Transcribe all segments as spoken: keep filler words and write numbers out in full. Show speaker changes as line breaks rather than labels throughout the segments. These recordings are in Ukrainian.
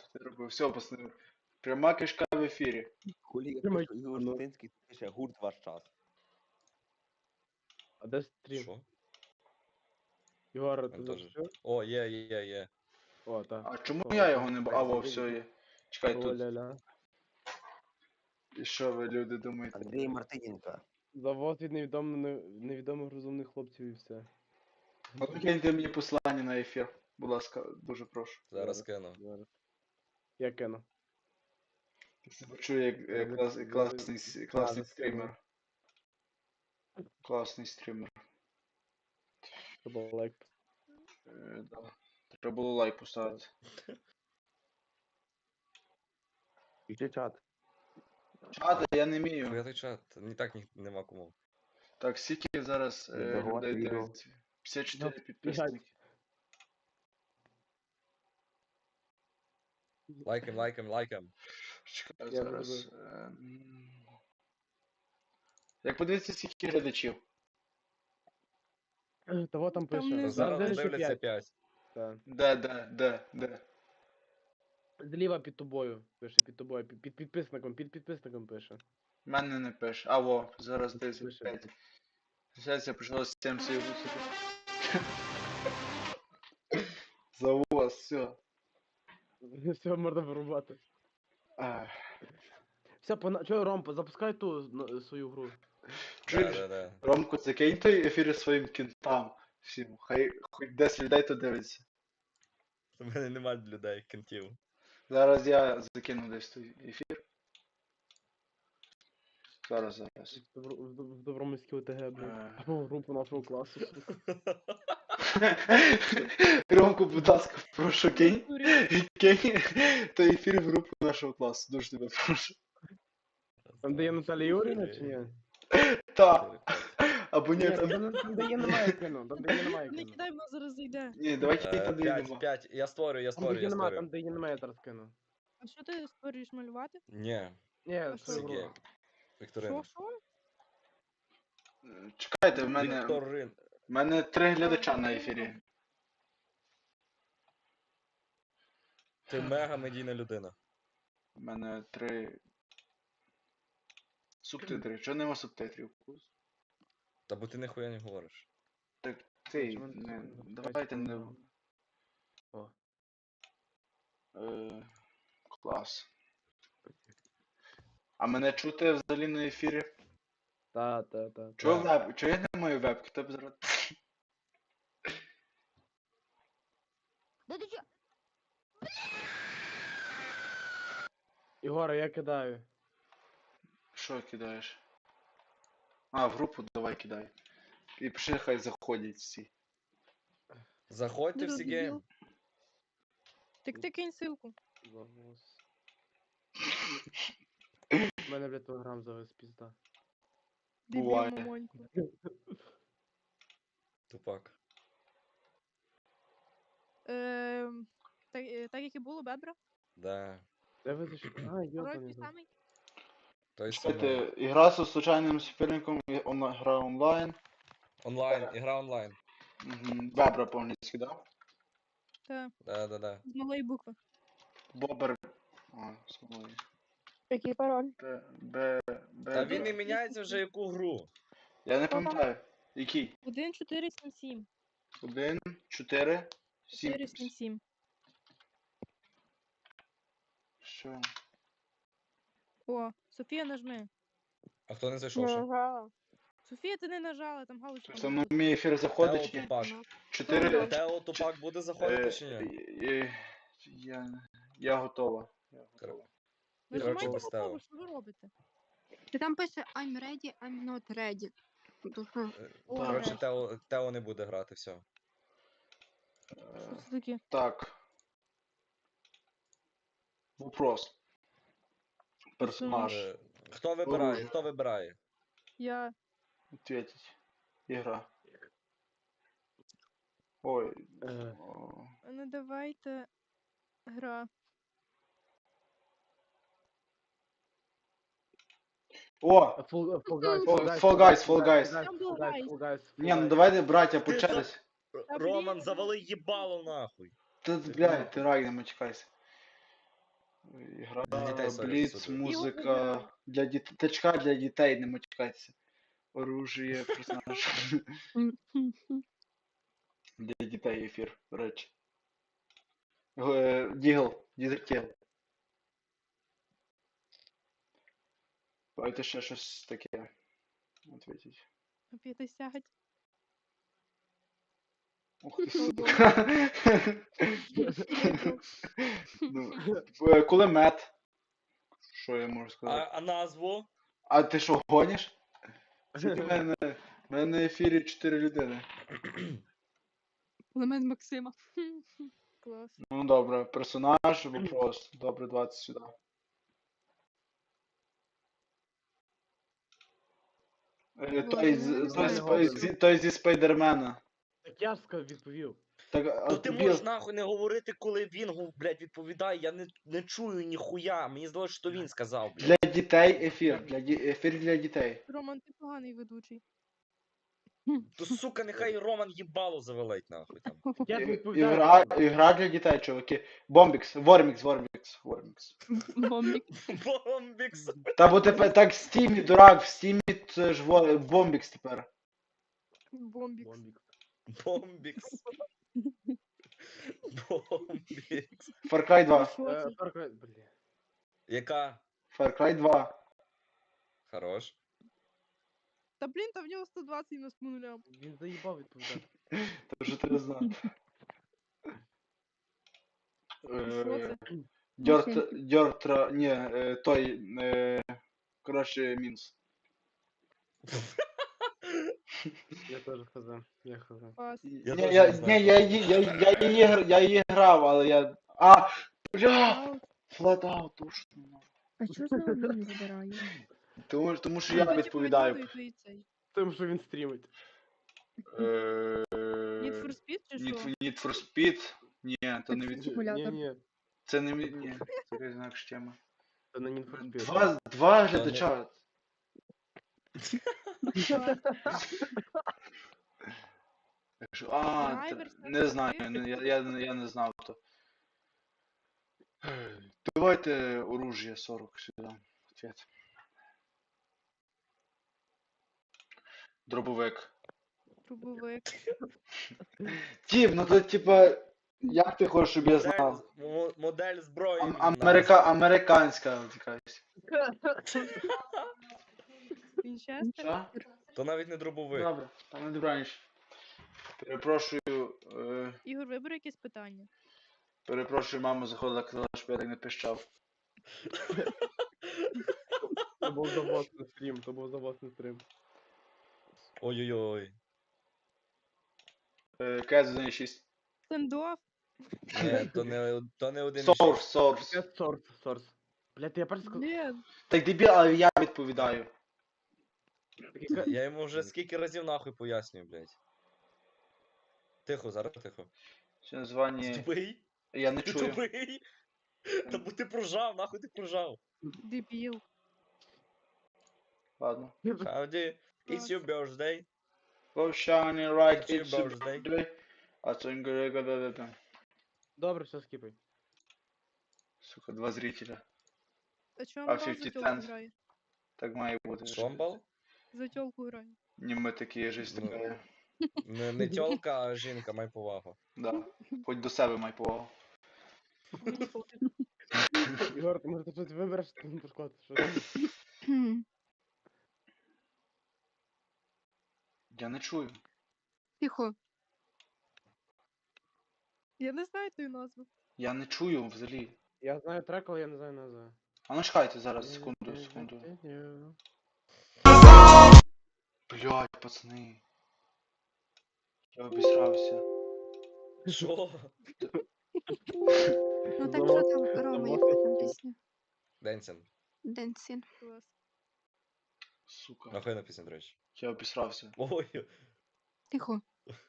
тут не робив. Все, пацани. Пряма кишка в ефірі.
Хулі я
Тримай
пишу, Ігор
телефон.
Шутинський пише гурт ваш час.
А де стрім?
Що?
Ігор,
Він
ти
теж.
запустив?
О, є, є, є.
О, так.
А чому
О,
я
ти-
його не бачу? А, во, все є. Чекай
О,
тут.
ля-ля.
І що ви, люди, думаєте?
Андрій Мартиненко.
Завод від невідомих, невідомих розумних хлопців і все.
От киньте мені послання на ефір. Будь ласка, дуже прошу.
Зараз кину.
Зараз. Я кину.
Почую, як е, клас, класний, с- класний стрімер. Класний стрімер.
Треба лайк.
Е, да. Треба було лайк поставити.
Пиши чат.
Чата, я не
Я
вмію.
той чат, ні так ні, нема кому.
Так, скільки зараз е,
Віддавати
людей
відео.
дивиться? п'ятдесят чотири
Ну,
підписники.
Лайкаем, лайкаем, лайкаем.
Чекай
Я
зараз.
зробив.
е, м. Як подивитися, скільки глядачів?
Того там
Там
пише.
не
Та
Ну,
зараз
дивляться
дивляться
п'ять.
п'ять.
Так.
Де, де, де, де?
Зліва під тобою пише, під тобою, під, під підписником, під підписником пише.
Мене не пише. А, во, зараз
Пише.
десять п'ять. Зараз я прийшло з цим всім. За вас, все.
Все, можна вирубати.
Ах.
Все, пона... Чого, Ром, запускай ту ну, свою гру.
Да,
Чуєш?
да, да.
Ромко, закинь той ефір своїм кінтам. Всім. Хай хоч десять людей то дивиться.
У мене нема людей, кентів.
Зараз я закину десь той ефір. Зараз, зараз.
В, Добро... в, Доб- в Добромирській ОТГ, блін.
Е.
Або групу нашого класу.
Ромко, будь ласка, прошу, кинь. Кинь той ефір в групу нашого класу. Дуже тебе прошу.
Там, де є Наталя Юріївна, чи ні?
Та. Або ні,
Ні, там,
там.
де- там, де є немає кіно, там, де є немає
Не
кіно.
кидай, бо зараз зайде.
Ні, давай кинь
Е,
там, де
П'ять,
нема.
п'ять. Я створюю, я
Там, де
створюю,
є
я
немає, там,
створюю.
де є немає, я зараз кину.
А що ти створюєш малювати?
Ні,
Ні,
А
свою
що?
гру.
Сергій. Вікторина.
Що, що?
Чекайте, в мене.
Вікторин.
В мене три глядача на ефірі.
Ти мега медійна людина.
У мене три. Субтитри. Чого нема субтитрів?
Та бо ти ніхуя не говориш.
Так ти,
Чому
не,
не-
давайте не.
О.
Е, клас. А мене чути взагалі на ефірі?
Та, та, та.
Чого
Так.
веб? Чого я не маю вебки? Тебе зараз.
Да ти чо?
Ігоре, я кидаю.
Що кидаєш? А, в групу давай кидай. І пиши, хай заходять всі.
Заходьте всі гейм.
Так ти кинь ссылку.
Загус. У мене, блядь, телеграм завис пізда.
Дебіл
Буває.
мамоньку.
Тупак.
Ем, Так, е, так як і було, Бебра?
Да.
Де ви зайшли? А,
Король
йобаний.
той самий?
Той самий.
Чекайте, ігра з случайним суперником, і он- гра онлайн.
Онлайн, ігра онлайн.
Угу. Вебра повністю, да?
Так,
Да, да, да.
з малої букви.
Бобер. А, смолої.
Який пароль?
Б, Б, Б.
Та він не міняється вже яку гру.
Я не пам'ятаю. Який?
один чотири сім сім.
Один, чотири, сім.
чотири сім сім.
Що?
О, Софія нажми.
А хто не зайшов ще?
Софія, ти не нажала, там галочка.
Тобто на мій ефір заходить чи
Тео
ні?
Тупак.
Чотири.
Тео Тупак буде заходити чи ні?
Е, Я, я готова. Я готова.
Нажимайте
Коротше,
готово,
поставив.
що ви робите?
Ти там пише I'm ready, I'm not ready. То що?
Е,
О,
Коротше,
нарешті.
Тео, Тео не буде грати, все.
Що
Е,
це таке?
Так. Вопрос. Персонаж.
Е, Хто вибирає? Хто вибирає?
Я.
Ответить. Ігра. Ой.
Е.
о,
Ну давайте. Гра.
О!
Fall Fall Guys,
Fall- Fall Guys, Fall Guys.
Там був
Fall Guys,
Guys.
Fall Guys,
Ні, ну
Fall Guys.
давайте, браття,
Ти
Ігра,
Для дітей, сорі,
бліц,
супер.
музика. Для дітей. Тачка для дітей, не матюкайтеся. Оружие, персонаж. Для дітей ефір, до речі. Е, Дігл, дізертіл. Давайте ще щось таке. Ответіть.
п'ятдесят.
Ух ти, сука. Ну, е, кулемет. Що я можу
А,
сказати?
а назву?
А ти що, гониш? Скільки в мене, в мене на ефірі чотири людини.
Елемент Максима. Клас.
Ну добре, персонаж, вопрос. Добре, двадцять сюди. Е, Той, з-
Ладно,
той,
не
з-
знаю.
зі- той зі Спайдермена.
Так я ж сказав, відповів.
Так, а
То ти
тобі-
можеш нахуй не говорити, коли він, гу- блядь, відповідає, я не, не чую ніхуя. Мені здалося, що він сказав, блядь.
Для дітей ефір. Для ді... Ефір для дітей.
Роман, ти поганий ведучий.
То сука, нехай Роман їбало завелить нахуй там.
Я
І-
відповідаю.
Ігра, ігра для дітей, чуваки. Бомбікс, Вормікс, Вормікс, Вормікс.
Бомбік.
Бомбікс.
Та бо тепер так в стімі, дурак, в стімі це ж Вор- Бомбікс тепер.
Бомбік.
Бомбік.
Бомбікс. Бомбікс.
Far Cry два.
Що
Е,
це?
Far Cry, бля.
Яка?
Far Cry два.
Хорош.
Та блін, та в нього сто двадцять нас по нулям.
Він заїбав відповідати.
То що ти знав.
Що це?
Дьорт, дьортра, ні, е, той, е, коротше, мінус.
Я теж хз. Я хз.
Пас.
Я
Ні,
теж
я,
не знаю.
ні, я, її- я, я, її, гр- я її грав, але я... А, бля,
Аут.
Flatout, точно.
А чого за один забираю?
Тому, тому що
Ну,
я
то, типу,
відповідаю.
відповідає той цей.
Тим, що він стрімить.
Е,
Need for Speed чи
Need,
що?
Need for Speed? Ні, то не від...
Симулятор.
Ні, ні.
Це не від... Ні, це якась інакша тема.
Це не Need for Speed.
Два, два
не-
глядача. Так що- А,
Драйвер,
т- не знаю, не- я, я, не- я не знав то. Давайте оружие сорок сюди. Ответ. Дробовик.
Трубовик.
Тіп, ну то типа, як ти хочеш, щоб я
Модель,
знав?
мо- модель зброї.
Ам-
він
Америка, американська от якась.
Вінчестер.
Що?
назвав. То навіть не дробовик.
Добре, там не добраніч. Перепрошую, е,
Ігор, вибери якесь питання.
перепрошую, мама заходила, казала, щоб я так не пищав.
То був завозний стрім, то був завозний стрім.
Ой-ой-ой.
Е, Кез один шість.
Стендоф.
Ні, то не, то не один.
Source, source.
Я сорс, сорс. Блядь, я перш сказав.
Блін.
Так дебіл, але я відповідаю.
Я йому вже скільки разів нахуй пояснюю, блядь. Тихо, зараз тихо.
Ще названня.
Тупий?
Я не
Ти
чую.
тупий? Та бо ти прожав, нахуй ти прожав.
Дебіл.
Ладно.
Howdy, it's your birthday.
Go shiny right,
It's your
it's your
birthday.
birthday. А це інг-
Добре, все скіпай.
Сука, два зрителя.
А чому
А
Амбал за
fifty
тьолку
cent?
грає?
Так має бути.
Шомбал?
За тьолку грає.
Ні, ми такі, жизнь
Ну.
така.
Не, не тьолка, а жінка, май повагу.
Да. Хоч до себе май повагу.
Мені пофіг.
Ігор, ти може ти щось вибереш, ти не пошкодиш. Що?
Хм.
Я не чую.
Тихо.
Я не знаю ту назву.
Я не чую взагалі.
Я знаю трек, але я не знаю назву.
А ну чекайте зараз, секунду, секунду. Блядь, пацани. Я обісрався.
Що?
Ну так що там, Рома, яка там пісня?
Денсен.
Денсін.
Клас.
Сука.
Нахуй пісня, до речі.
Я обісрався.
Ой.
Тихо.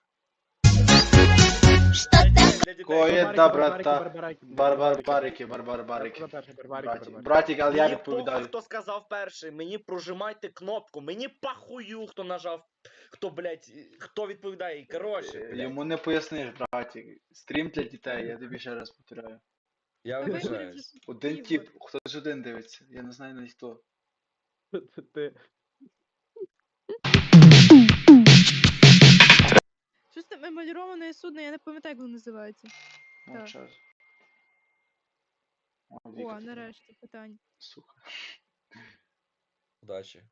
Для дітей.
Кое
Барбарики,
добра
барбарики,
та.
барбарики,
Барбар барики, барбар барики.
Я сказав перший, барбарики,
Братик,
барбарики.
братик, але я
Мені
відповідаю.
похуй, хто сказав перший. Мені прожимайте кнопку. Мені похую, хто нажав. Хто, блядь, хто відповідає. І коротше,
Е,
блядь.
Йому не поясниш, братик. Стрім для дітей, я тобі ще раз повторяю.
Я
Та виберіть
вибачаюсь.
же
Один
Ігор.
тип, хтось один дивиться. Я не знаю навіть хто.
Це ти.
Щось там емаліроване судно, я не пам'ятаю, як воно називається. Так.
Мовчать. О, Віка,
О,
ти
нарешті питання.
сука.
Удачі.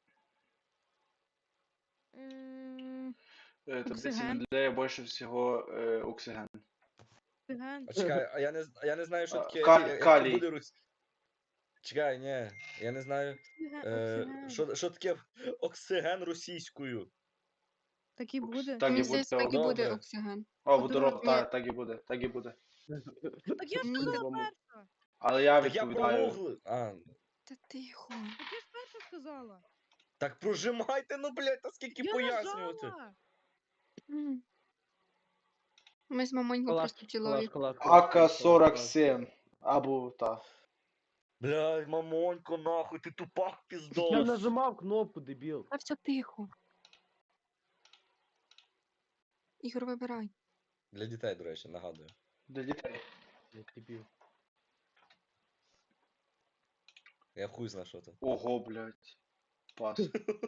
М,
Е, Таблиця
Оксиген.
Менделея більше всього е, оксиген.
Оксиген.
А чекай, а я не, з- а я не знаю, що
А,
таке.
каль-
я- як
калій.
буде рус. Чекай, ні, я не знаю.
Оксиген.
Е,
Оксиген.
що, що таке оксиген російською?
Так і буде.
Так і
Мені
буде.
здається, так і буде
Добре.
оксиген.
О,
Водород.
водород,
Ні.
так, так і буде, так і буде.
Так я ж
Ні.
сказала
По-любому.
перша.
Але я
Так я
відповідаю.
прогуглив. А,
Та тихо.
Так я ж перша сказала.
так прожимайте, ну, блядь, та скільки
Я
пояснювати.
нажала.
М. Ми з мамоньком
Шкала,
просто
шкала,
чоловік.
шкала, шкала,
АК
шкала,
сорок
шкала.
сім. Або та.
Блядь, мамонько, нахуй, ти тупак
Я
піздос.
нажимав кнопку, дебіл.
Та все тихо. Ігор, вибирай.
Для дітей, до речі, нагадую.
Для дітей.
Я дебіл.
Я хуй знаю, що це.
Ого, блядь. Пас.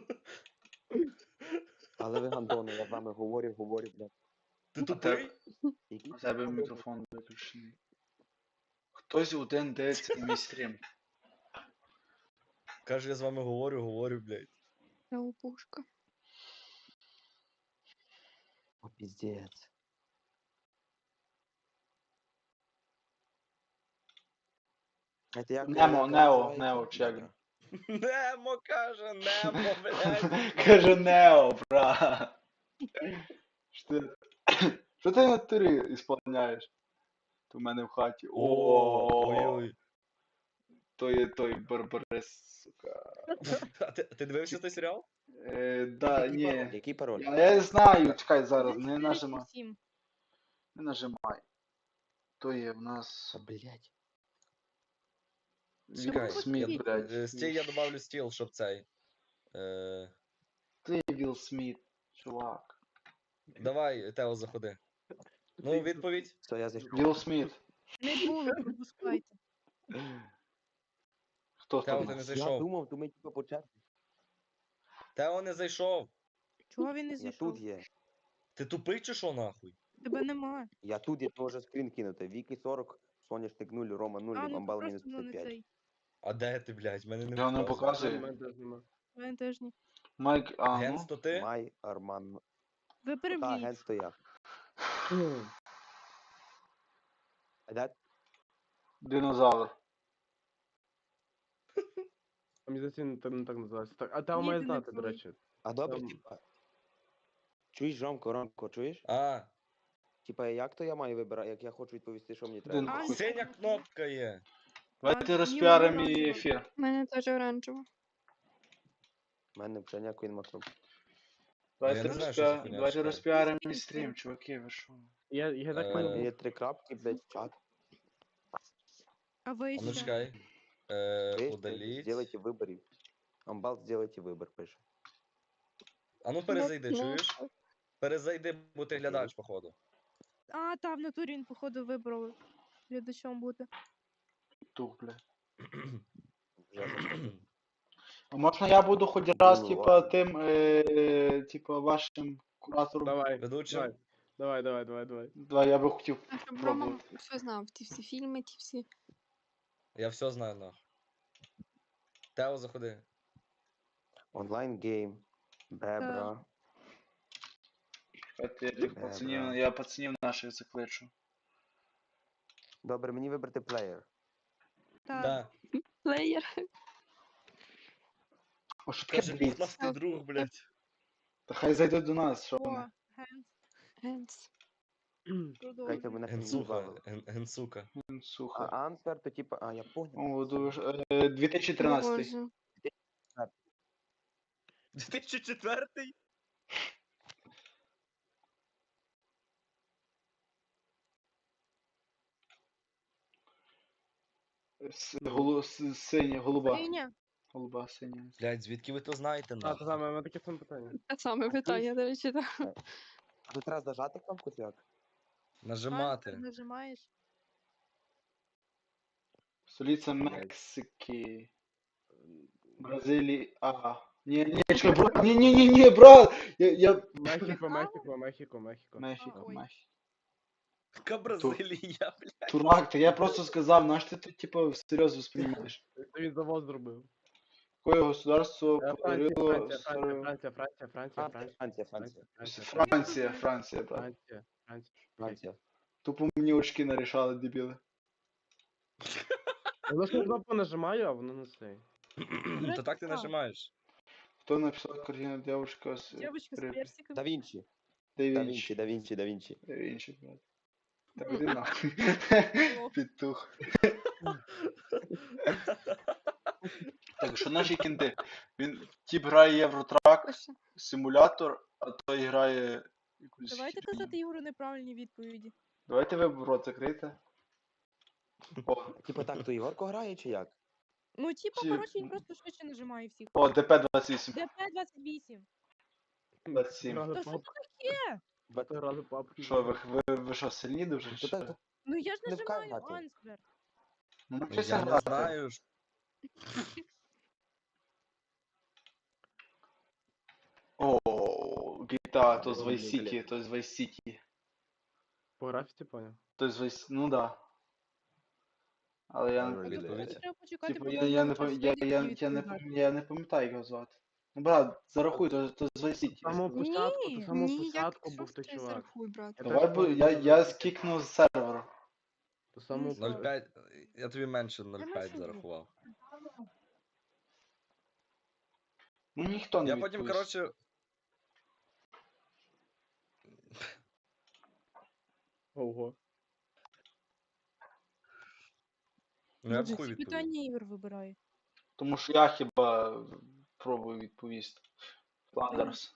Але ви гандони, я з вами говорю, говорю, блядь.
Ти
А
тупий?
Які
У тебе мікрофон виключений. Хтось один дивиться мій стрім.
Каже, я з вами говорю, говорю, блядь.
Я опушка.
О, піздець. Знаєте, як-
Немо,
як
Нео,
називається?
Нео, чи як?
Добре.
Немо каже, Немо, блядь.
Каже Нео, бра. Що ти- Що ти на турі ісполняєш? Ти в мене в хаті.
О,
О,
ой-ой.
то є той барбарес, сука.
А ти, ти дивився той серіал?
Е, да,
Який пароль?
ні.
Який пароль?
Я не знаю, чекай зараз,
Один,
не
чотири,
нажимай.
сім.
Не нажимай. То є в нас
Та, блядь.
Вілл
Чекай,
Сміт,
я-
блядь.
Е, Стій, я добавлю стіл, щоб цей. Е,
Ти Вілл Сміт, чувак.
давай, Тео, заходи. Ну, відповідь.
Все, я зайшов.
Вілл Сміт.
Не було, пропускайте.
Хто
Тео,
там?
ти не
Я
зайшов.
думав, то ми типу по черзі.
Тео не зайшов.
Чого він не
Я
зійшов?
тут є.
Ти тупий чи що нахуй?
Тебе нема.
Я тут, я теж скрін кинути. Віки сорок, Соняшник нуль, Рома нуль,
А, ну то
Амбал мінус
просто ну не
п'ятдесят п'ять.
цей.
А де ти, блядь? Мене не
Я не
показує.
У
показую.
мене теж нема.
Він теж ні.
Майк, а,
Генс,
ну.
то ти?
Май, Арман.
Ви
Та,
переб'ють.
ген стояв. А де?
Динозавр.
А мені здається, він так- не так називається. Так, а Тео
Ні,
має
ти не
знати, до
той.
речі.
А добре,
Там-
типа. Чуєш, Ромко, Ромко, чуєш?
А,
Типа, як то я маю вибирати, як я хочу відповісти, що мені треба?
Дин-
А,
синя кнопка є.
Давайте
ні,
розпіаримо
ні,
і
ні.
ефір.
У мене теж оранжево.
У мене вже ніякої нема кнопки.
Давайте,
не знаю, що за
розпіа...
хуйня,
Давайте
чекай.
розпіаримо і стрім, чуваки, ви що?
Я, я так
Е,
У мене
понял.
є три крапки, блядь, в чат.
А ви
А ну
ще?
чекай. Е,
Чуєш,
удаліть.
Сделайте виборів. Амбал, сделайте вибір, пише.
А ну перезайди, чуєш? Перезайди, бо ти глядач, походу.
А, та, в натурі він, походу, вибрав глядачом бути.
Тух, блядь.
Вже заходив.
А можна я буду хоч раз,
Ну,
типа,
ладно.
тим, е, типа, вашим куратором?
Давай,
Ведучим?
давай, давай, давай, давай, давай.
Да, я би хотів
А щоб Рома
пробувати.
все знав, ті всі фільми, ті всі.
Я все знаю, нахуй. Тео, заходи.
Онлайн гейм. Бебра.
Чекайте, я тих
Е,
пацанів,
бра.
я пацанів наших закличу.
Добре, мені вибрати плеєр.
Так.
Да.
Плеєр.
О, що таке
Каже,
бліц?
пухнастий друг, блядь.
Та хай зайде до нас, що
О,
вони.
Генс,
Генс.
Чекайте,
продовжуй.
мене
Генсуха.
забавило.
Ген- Генсука.
А
Сухо.
ансвер, то типа, а я понял.
О, дуже. Е, дві тисячі тринадцятий.
Боже.
дві тисячі четвертий?
С- голу- с- Синя, голуба.
Синя?
Голуба, синя.
Блядь, звідки ви то знаєте,
А, то
нахуй?
саме, у мене таке саме питання.
Те саме питання, до речі, так.
А тут треба зажати кнопку чи як?
Ансер
Нажимати.
нажимаєш?
Столиця Мексики. Бразилії. А. Ні, ні, чекай, брат. Ні, ні, ні, ні, брат. Я, я...
Мехіко, Мехіко, Мехіко, Мехіко.
Мехіко,
Ой.
Мехіко.
Яка Бразилія, блядь.
Турак, та я просто сказав, наш ти тут, типу, всерйоз восприймаєш.
Це він завод зробив.
Якое государство
Е, Франція,
подарило
Франція,
стару...
Франція, Франція, Франція, Франція,
Франція,
Франція,
Франція,
Франція,
Франція, Франція, брат.
Франція, Франція.
Франція.
Тупо мені очки нарішали, дебіли.
Воно ж на кнопку нажимаю, а воно не цей.
То так ти
Красава.
нажимаєш.
Хто написав картину девушка з...
Девочка з
при-
персиком.
Да Вінчі.
Да
Да
Вінчі.
Вінчі, Да Вінчі, Да Вінчі.
Да Вінчі, брат. Та іди нахуй.
О.
Петух. Так, що наші кінти? Він тип грає Євротрак,
Пише.
симулятор, а той грає якусь...
Давайте
херню.
казати Ігору неправильні відповіді.
Давайте ви рот закрийте. О,
Типа так, то Ігорко грає чи як?
Ну, типа,
Ті-
коротше, він просто швидше нажимає всіх.
о, ДП двадцять вісім.
ДП двадцять вісім.
двадцять сім.
Грали
Та що
пап-
таке?
Бати грали папки.
Що, ви, ви, ви що, сильні дуже?
То
чи
так,
що?
Ну я ж
Не вкай
нажимаю
грати.
Ансбер.
Ну, навчися
Я не
грати.
знаю. ж.
О, гіта, то з
Добре,
Vice City,
блядь.
то з Vice City.
По графіті поняв.
То з Vice... Ну да. Але я
Добре,
не...
відповідь.
Треба почекати,
Типу,
поки
я, я, не,
час
пам- я,
вийде,
я,
і
я, не,
відповідати.
пам- я не пам'ятаю як його звати. Ну, брат, зарахуй, то, то з Vice City.
З самого
Ні,
початку, з самого
Ні, як
початку
що
був
ж
той
ти
чувак.
зарахуй, брат.
Я
Давай,
теж
бо
пам'ятаю,
я,
що
я
був.
скікнув з серверу.
До самого
Ну,
початку.
нуль п'ять. Я тобі менше нуль
менше
п'ять
було.
зарахував.
Ну, ніхто не
Я потім,
відповість.
коротше.
Ого.
Ну я б
Боже,
хуй
ці
відповів.
питання Ігор вибирає.
Тому що я хіба пробую відповісти. Фландерс.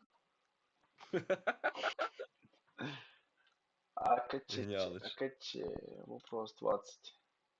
АКЧ,
Геніалич.
АКЧ, вопрос двадцать.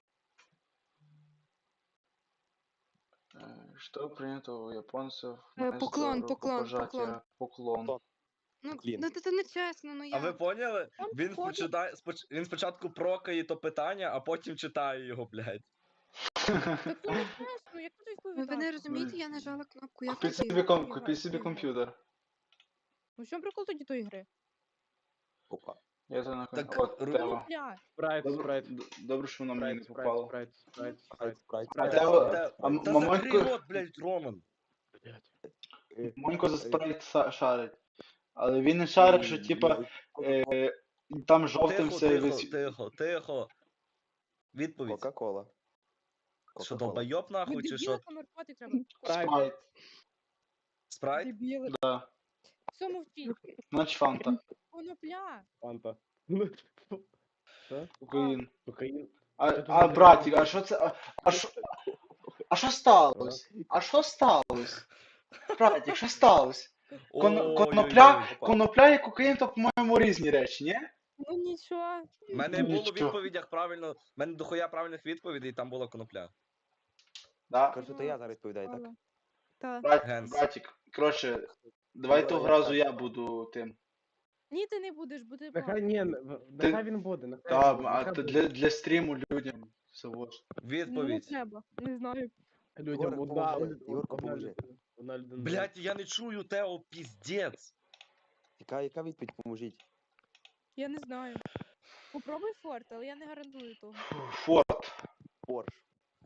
Э, Что принято у японцев
Э,
вместо
поклон, поклон,
рукопожатия? Поклон.
Поклон.
Ну,
Клін.
ну це не чесно, ну
А ви
як?
поняли?
Там
Він,
походу-
почитає, споч... він спочатку прокає то питання, а потім читає його, блядь.
Так це не чесно, як тут
Ну,
відповідати?
ви не розумієте, я нажала кнопку, як
Купіть
це
собі, ком...
Ігор,
купіть собі
Ігор.
комп'ютер.
Ну в чому прикол тоді тої гри?
Опа.
Я це на
Так,
От,
ру-
Тео.
Ну, бля,
Спрайт,
Добре,
спрайт.
д- добре, що воно мені не
Спрайт,
попало.
спрайт, спрайт,
Спрайт,
спрайт.
спрайт.
А Тео,
Та-
а м-
Та
Мамонько,
закрий рот, блядь, Роман.
Блядь.
Монько за спрайт са- шарить. Але він не шарить, що типа е, там жовтим
Тихо,
все
тихо,
висвіт.
тихо, тихо. Відповідь.
Кока-кола.
Що,
Кока-кола.
долбойоб
ви
нахуй, чи що?
дебіли наркоти треба.
Спрайт.
Спрайт,
Спрайт?
Дебіли.
да.
Все мовчіть.
Значить фанта.
Конопля.
Фанта. Що?
Кокаїн.
Кокаїн.
А,
Що тут
а
за
братик, а що це? А, а що? А що сталося? А що сталося? Братик, що сталося? Кон,
Ой-ой-ой.
конопля, конопля і кокаїн то, по-моєму, різні речі, ні?
Ну нічого.
У мене було в
Нічого.
відповідях правильно. У мене дохуя правильних відповідей, і там була конопля.
Да.
Кажу, то я зараз відповідаю, так?
Так.
Брат,
Генс.
братик, коротше, давай того разу я буду тим.
Ні, ти не будеш, бо ти
Нехай ні, в-
Ти-
нехай він буде, нехай
Та,
він буде,
а
нехай
то
буде.
для, для стріму людям всього ж.
Ну, не
Відповідь.
треба. Не знаю.
Людям
Ігор,
одна,
поможи.
од-
Ігорко,
одна
поможи.
людина. Одна людина.
Блять, я не чую Тео, піздець.
Яка, яка відповідь, поможіть?
Я не знаю. Попробуй форт, але я не гарантую того.
Форд.
Порш.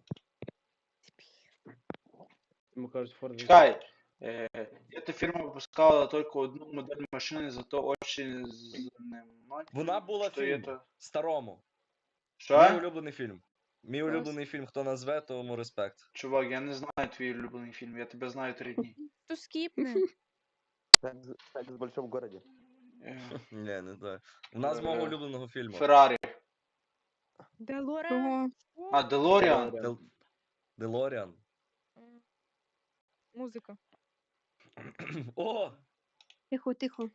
Йому кажуть, Форд.
Чекай. Э, эта фирма выпускала только одну модель машины, зато очень занимательно.
Вона була
что
фільм.
это.
Старому. Мій
Що?
улюблений фільм. Мій
Клас.
улюблений фільм, хто назве, тому респект.
Чувак, я не знаю твій улюблений фільм, я тебе знаю три дні.
То скіпне.
Секс, секс в большом городе.
Е,
Ні, не знаю. У нас мого
Е,
улюбленого фільму.
Феррарі.
Делоре.
Ого.
А, Делоріан.
Дел... Делоріан.
Музика.
О!
Тихо, тихо.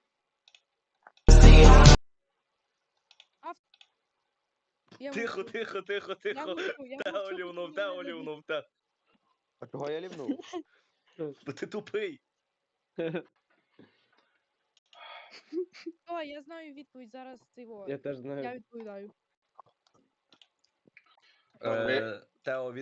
Я
Тихо,
мовчу.
тихо, тихо,
Я
тихо.
мовчу, я
Тео
мовчу,
лівнув,
бо
Тео
мене
лівнув, Тео.
А чого я лівнув?
Бо ти тупий.
О, я знаю відповідь зараз цього.
Я теж
Я
знаю.
відповідаю.
Добре.
Е, Тео,